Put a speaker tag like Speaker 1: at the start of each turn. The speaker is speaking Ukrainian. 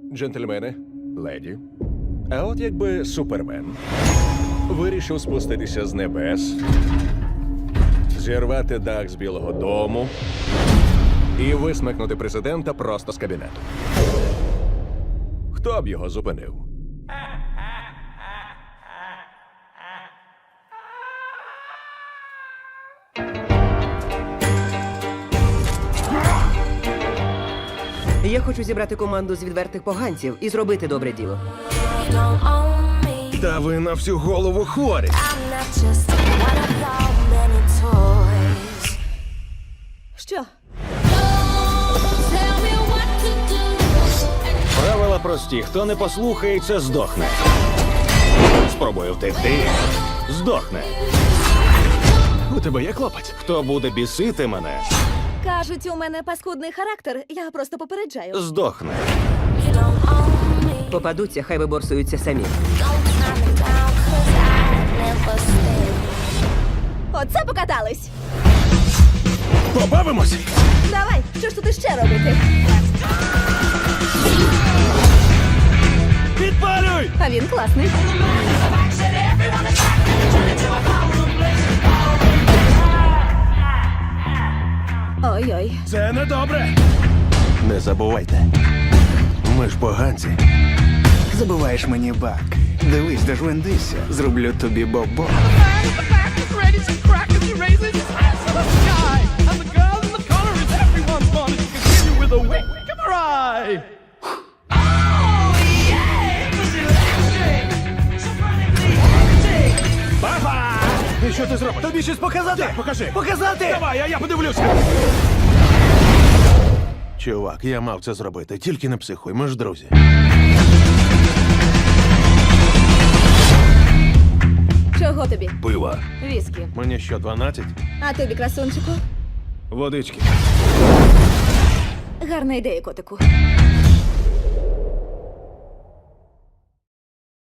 Speaker 1: Джентльмени, леді. А от якби Супермен вирішив спуститися з небес, зірвати дах з Білого дому і висмикнути президента просто з кабінету. Хто б його зупинив?
Speaker 2: Я хочу зібрати команду з відвертих поганців і зробити добре діло.
Speaker 3: Don't own me.
Speaker 1: Та ви на всю голову хворі.
Speaker 3: I'm not just one of your many toys.
Speaker 4: Що?
Speaker 3: Tell me what to do.
Speaker 5: Правила прості. Хто не послухається, здохне. Спробує втекти, здохне.
Speaker 1: У тебе є клопоть?
Speaker 5: Хто буде бісити мене,
Speaker 4: Кажуть, у мене паскудний характер. Я просто попереджаю.
Speaker 5: здохне.
Speaker 3: You don't own me.
Speaker 2: Попадуться, хай виборсуються самі.
Speaker 3: Don't tie me down, 'cause I never stay.
Speaker 4: Оце покатались.
Speaker 1: Побавимось!
Speaker 4: Давай, що ж тут іще робити?
Speaker 5: Підпалюй!
Speaker 4: А він класний. Ой-ой.
Speaker 1: Це недобре! Не забувайте. Ми ж поганці.
Speaker 6: Забуваєш мені бак. Дивись, дожвендися, зроблю тобі бобо.
Speaker 1: І що ти зробиш? Тобі щось показати? Так, покажи. Показати? Давай, а я подивлюся. Чувак, я мав це зробити. Тільки не психуй, ми ж друзі.
Speaker 4: Чого тобі?
Speaker 1: Пива.
Speaker 4: Віскі.
Speaker 1: Мені що, 12?
Speaker 4: А тобі, красунчику?
Speaker 1: Водички.
Speaker 4: Гарна ідея, котику.